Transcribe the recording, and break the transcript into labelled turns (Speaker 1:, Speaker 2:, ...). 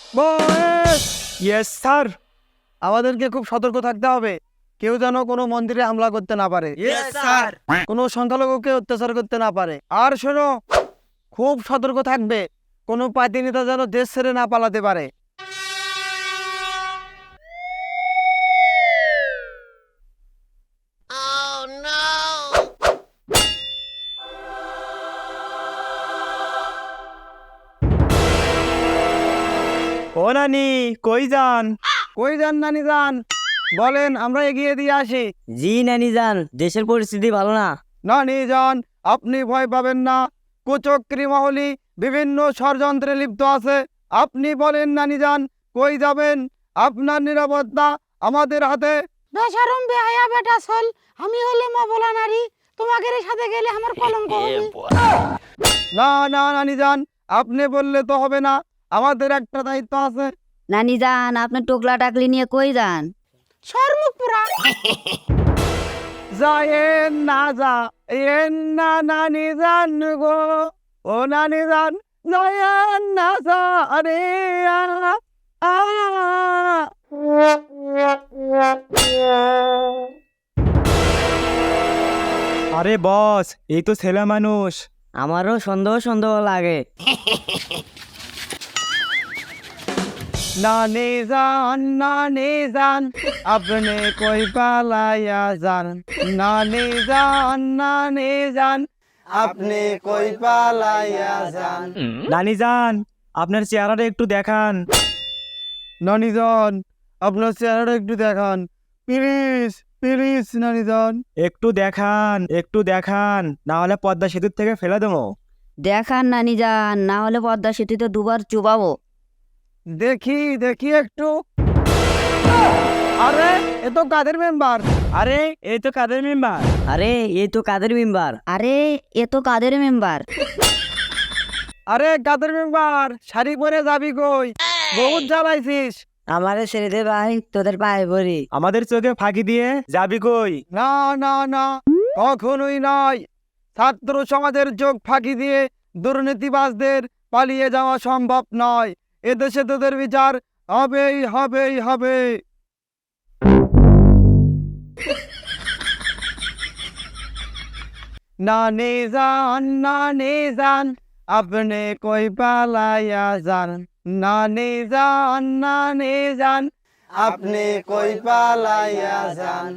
Speaker 1: বয়েস,
Speaker 2: yes sir.
Speaker 1: আমাদেরকে খুব সতর্ক থাকতে হবে, কেউ যেন কোনো মন্দিরে হামলা করতে না পারে,
Speaker 3: ইয়েস স্যার।
Speaker 1: কোনো সংখ্যালঘুকে অত্যাচার করতে না পারে। আর শোনো, খুব সতর্ক থাকবে, কোনো পার্টি নেতা যেন দেশ ছেড়ে না পালাতে পারে।
Speaker 2: ও নানি, কই যান?
Speaker 1: কই যান নানি যান, বলেন, আমরা এগিয়ে দিয়ে আসি।
Speaker 3: জি নানি যান, দেশের পরিস্থিতি ভালো না।
Speaker 1: নানি যান, আপনি ভয় পাবেন না, কুচক্রী মহলি বিভিন্ন ষড়যন্ত্রে লিপ্ত আছে। আপনি বলেন নানি যান, কই যাবেন? আপনার নিরাপত্তা আমাদের হাতে।
Speaker 4: বেশরম বেহায়া বেটা চল, আমি হলে মবলা নারী, তোমাদের সাথে গেলে আমার কলঙ্ক হবে।
Speaker 1: না না নানি যান, আপনি বললে তো হবে না, আমাদের একটা দায়িত্ব আছে।
Speaker 5: নানি যান, আপনি টোকলা টাকলি নিয়ে কই যান?
Speaker 4: সরমুখ পুরা
Speaker 1: যায়েন না যা এন না নানি যান গো, ও নানি যান, যায়েন না যা রে আ, আ।
Speaker 2: আরে বস, এই তো ছেলে মানুষ।
Speaker 3: আমারও সন্দেহ সন্দেহ লাগে।
Speaker 1: নানি যান, আপনি কই পালাইয়া যান। নানি যান, আপনি কই পালাইয়া যান।
Speaker 2: নানি যান, আপনার চেহারাটা একটু দেখান।
Speaker 1: নানি যান, আপনার চেহারাটা একটু দেখান, প্লিজ প্লিজ নানি যান।
Speaker 2: একটু দেখান, একটু দেখান, না হলে পদ্মা সেতুর থেকে ফেলে দেবো।
Speaker 5: দেখান নানি যান, না হলে পদ্মা সেতুতে দুবার চুবাবো।
Speaker 1: দেখি দেখি একটু। আরে এ তো কাদের মেম্বার।
Speaker 2: আরে এই তো কাদের মেম্বার।
Speaker 3: আরে এই তো কাদের মেম্বার।
Speaker 5: আরে এ তো কাদের মেম্বার।
Speaker 1: আরে কাদের মেম্বার, শাড়ি পরে যাবি কই? বহুত জ্বালাইছিস।
Speaker 3: আমারে ছেড়ে দে ভাই, তোদের পায়ে পড়ি।
Speaker 2: আমাদের চোখে ফাঁকি দিয়ে যাবি কই?
Speaker 1: না না না, কখনোই নয়। ছাত্র সমাজের চোখ ফাঁকি দিয়ে দুর্নীতিবাজদের পালিয়ে যাওয়া সম্ভব নয়। এদেশে তোদের বিচার হবেই হবেই হবে। নানি যান, আপনি কই পালাইয়া যান। নানি যান, আপনি কই পালাইয়া যান।